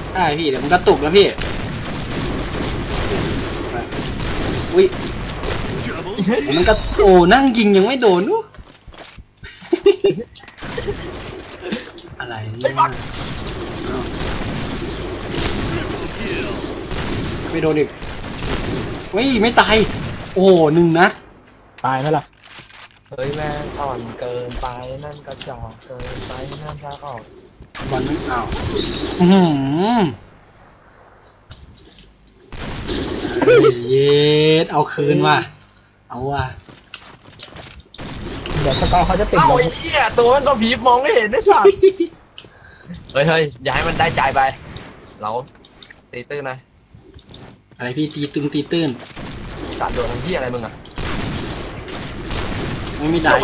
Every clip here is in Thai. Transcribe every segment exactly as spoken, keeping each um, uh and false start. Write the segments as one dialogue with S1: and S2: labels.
S1: ใช่พี่เดี๋ยวมันกระตุกแล้วพี่อุ้ยมันก็โอ้นั่งยิงยังไม่โดนนุ๊อะไรเนี่ยไม่โดนอีกเฮ้ยไม่ตายโอ้หนึ่งนะ
S2: ตายไหมล่ะ
S3: เฮ้ยแม่อ่อนเกินไปนั่นกระจอกเกินไปนั่นทางออก
S1: บอลไม่เอาอืมเย็ดเอาคืนว่ะเอาว่ะ
S2: เดี๋ยวสกอร์เขาจะติด
S3: เอ้า
S2: ลง
S3: ไอ้เหี้ยตัวมันก็ผีมองไม่เห็นได้สัตว์เฮ้ยเฮ้ยอย่าให้มันได้ใจไปเราตีตื้นนะ
S1: อะไรพี่ตีตึงตีตื้น
S3: สัตว์โดนทำที่อะไรมึงอ่ะ
S1: ไม่มีได้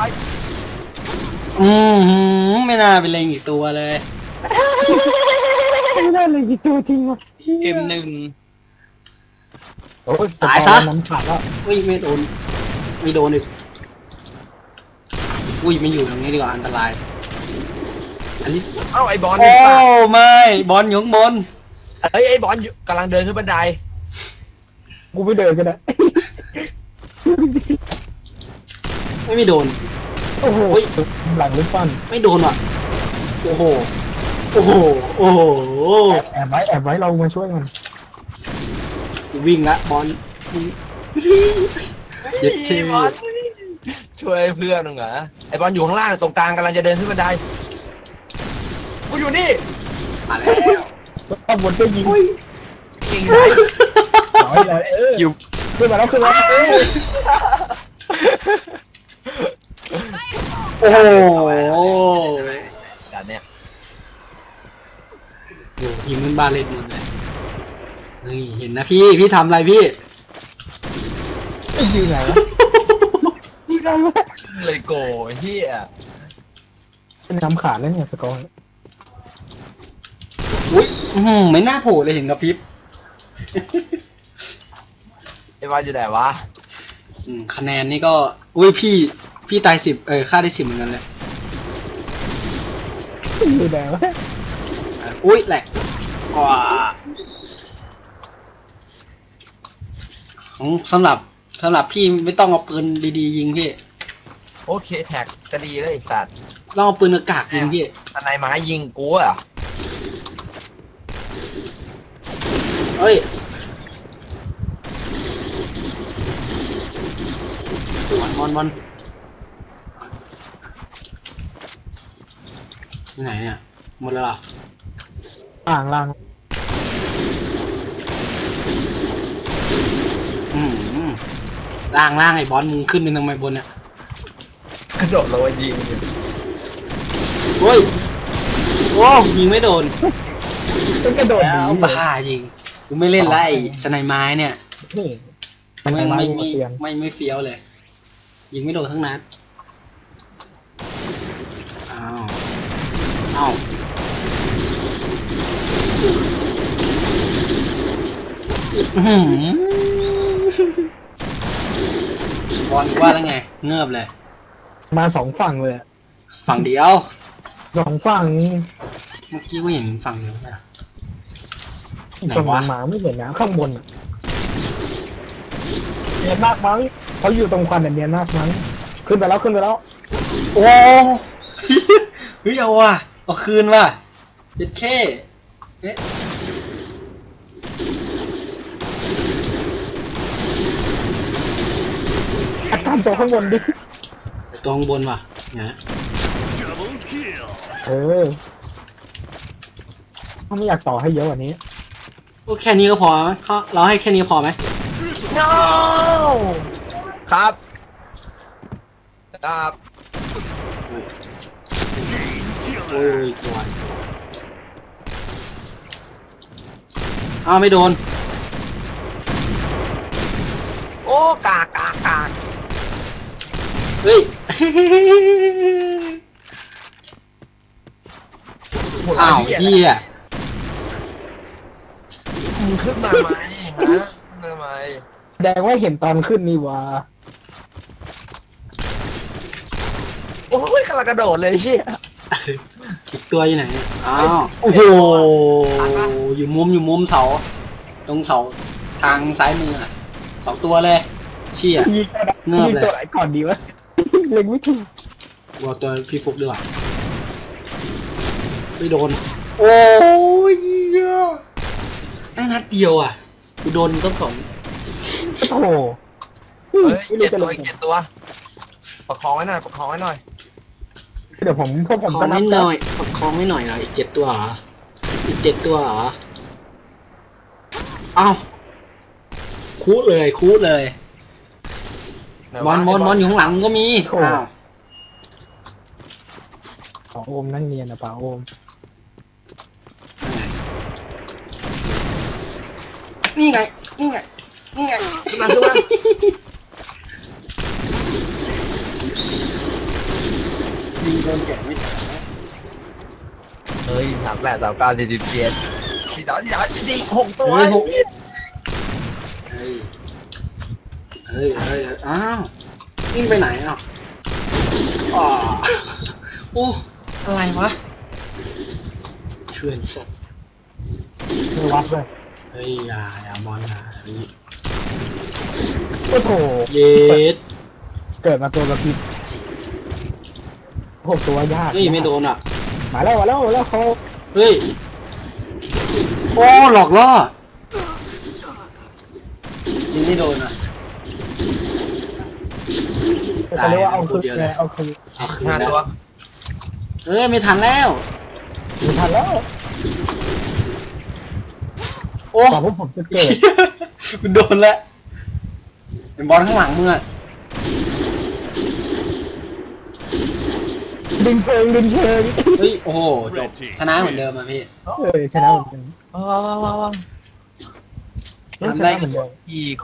S1: อืมไม่น่าเป็นเลงอีกตัวเลย
S2: ไม่ได้เลยกี่ตัวจริงวะ
S3: เอ็มหนึ่ง
S2: โอ้ยตายซะมันขาดแล้ว
S1: อุ้ยไม่โดนไม่โดนอีกอุ้ยไม่อยู่ตรงนี้ดีกว่าอันตรายอันนี้
S3: เอ้าไอ้บอล
S1: โอ้ไม่บอลอยู่ข้างบน
S3: เฮ้ยไอ้บอลกำลังเดินขึ้นบันได
S2: กูไม่เดินก็ได้
S1: ไม่ไม่โดน
S2: โอ้โหหลังลูกปั้น
S1: ไม่โดนว่ะโอ้โหโอ้โหโอ้โห
S2: แอบไว้แอบไว้เรามาช่วยมัน
S1: วิ่งละบอลเย็ดเท่
S3: ช่วยเพื่อนหนึ่งเหรอไอ้บอลอยู่ข้างล่างตรงกลางกำลังจะเดินขึ้นบันไดกูอยู่นี่
S1: มาแล้ว
S2: ตำรวจก็ยิง
S3: ยิงไหน
S2: น้อยเลยเอออยู่ขึ้นมาแล้วขึ้นมา
S1: โอ้โห
S3: ด่านเนี้ย
S1: โอ้ยิงมันบาเลนหมดเลยนี่เห็นนะพี่พี่ทำอะไรพี่
S2: ยิงไงวะยิงไงวะ
S3: เลยโก้เฮีย
S2: เป็นน้ำขาดแล้วเนี่ยสกอร์
S1: อุ้ยไม่น่าโผล่เลยเห็นกับพริบ
S3: ไอ้บอลอยู่ไหนวะ
S1: คะแนนนี่ก็อุ้ยพี่พี่ตายสิบเออค่าได้สิบเหมือนกันเลย
S2: อยู่ไหนวะ
S1: อุ้ยแหลกว้าของสำหรับสำหรับพี่ไม่ต้องเอาปืนดีๆยิงพี่
S3: โอเคแท็กก็ดีเลยไอ้สัตว์
S1: ต้องเอาปืนอากาศยิงพี่
S3: ทนายไม้ยิงกูอ่ะ
S1: เฮ้ยมันมันมันที่ไหนเนี่ยหมดแล้วล่ะ
S2: ล่างล่าง
S1: อืมล่างล่างไอ้บอลมึงขึ้นเป็นทำไมบนเนี่ย
S3: กระโดดลงมายิง
S1: โอ้ยโอ้ยิงไม่โดน
S2: ต้องกระโดด
S1: แล้วบ้าจริงกูไม่เล่นไล่สไนไม้เนี่ยไม่ไม่ไม่ไม่ไม่เฟี้ยวเลยยิงไม่โดนทั้งนัดอ้าวอ้าวบอลว่าแล้วไงเงือบเลย
S2: มาสองฝั่งเลย
S1: ฝั่งเดียว
S2: สองฝั่ง
S1: เมื่อกี้ก็เห็นฝั่งเดียวใช่ไหมไหน
S2: วะ
S1: วะ
S2: หมาไม่เห็นนะข้างบนเนียนมากมั้งเขาอยู่ตรงควันเนียนมากมั้งขึ้นไปแล้วขึ้นไปแล้ว
S1: โอ้เฮ้ยเอาว่ะเอาคืนว่ะเด็ดแค่เอ๊ะ
S2: ตามตัวข้างบนดิ
S1: ตัวข้างบนว่ะนะ
S2: เออเขาไม่อยากต่อให้เยอะกว่านี้
S1: ก็แค่นี้ก็พอไหมเราให้แค่นี้พอไหม
S3: no ครับครับ
S1: โอ้ยตัวอ้าวไม่โดน
S3: โอ้กากกากกาก
S1: เฮ้ยอ้าวเหี้ย
S3: มึงขึ้นมาไหมฮะขึ้นมาไหม
S2: แดงว่าเห็นตอนขึ้นนี่วะ
S3: โอ้ยกำลังกระโดดเลยเชี่ย
S1: อีกตัวอยู่ไหนอ้าวโอ้โหอยู่มุมอยู่มุมเสาตรงเสาทางซ้ายมืออะสองตัวเลยเชี่ย
S2: ยิงตัวไหน
S1: เงือบเลย
S2: ยิงตัวไหนก่อนดีวะเล็งไม่ถูก
S1: วัวตัวพี่ฟุกดีกว่าไม่โดนโอ้ยเหี้ยนั่งนัดเดียวอ่ะกูโดนต้องสอง
S2: โอ้โห
S3: เฮ้ย
S2: ไม่
S3: เจ็
S2: รู้
S3: ด
S2: จะ
S3: ตั
S2: ล
S3: ว
S2: ง
S3: อีกเจ็ดตัวประคองไว้หน่อยประคองไว้หน่อย
S2: เดี๋ยวผมพวกผม
S1: คอ
S2: ก็
S1: ง
S2: นั
S1: ไม่
S2: บ
S1: หน่อยประคองไม่หน่อยเหรออีกเจ็ดตัวเหรออีกเจ็ดตัวเหรอเอ้าคูดเลยคูดเลย
S3: ไห
S1: บอลบอลบอลอยู่ข้างหลังก็มีอ้าว
S2: ป่าโอมนั่งเนียนนะป่าโอม
S1: นี่ไงนี่ไงนี่ไง
S3: ขึ้นมาขึ้นมา
S1: ยิงโดนแกะไม่ตาย
S3: เฮ้ยสามแปดสามเก้าสี่สิบเจ็ดสี่สองสี่สามสี่สี่หกตัว
S1: เฮ้ยหกเฮ้ยเฮ้ยเฮ้ยอ้าววิ่งไปไหนอ่ะอ๋อโอ้อะไรวะเถื่อนสัตว์
S2: คือวัดเลย
S1: เฮ้ยอย่าอย่าบอลอย่าเฮ้ย
S2: โอ้โห
S1: เย็ด
S2: เกิดมาตัวกระพริบโอ้โหตัวยาก
S1: เฮ้ยไม่โดนอ่ะ
S2: มาแล้วมาแล้วมาแล้วเขา
S1: เฮ้ยโอ้หลอกล่อยิงไม่โดนอ่ะ
S2: เขาเรียกว่าเอาคืนไงเอาคืน
S1: เอาคืน
S3: ห้า
S1: แล้
S3: ตัว
S1: วเอ้ยไม่ทันแล้ว
S2: ไม่ทันแล้ว
S1: โอ้
S2: กว่าพวกผมจะเกิด
S1: คุณโดนแล้วเป็นบอลข้างหลังมึงอ่ะ
S2: ดึงเชิงดึงเชิง
S1: เฮ้ยโอ้โหจบชนะเหมือนเดิมอ่ะพี่
S2: เออชนะเหมือนกัน
S3: ว้าวว้าวว้าว
S1: ทำได้
S2: ชนะเหมือนเดิม
S3: อีก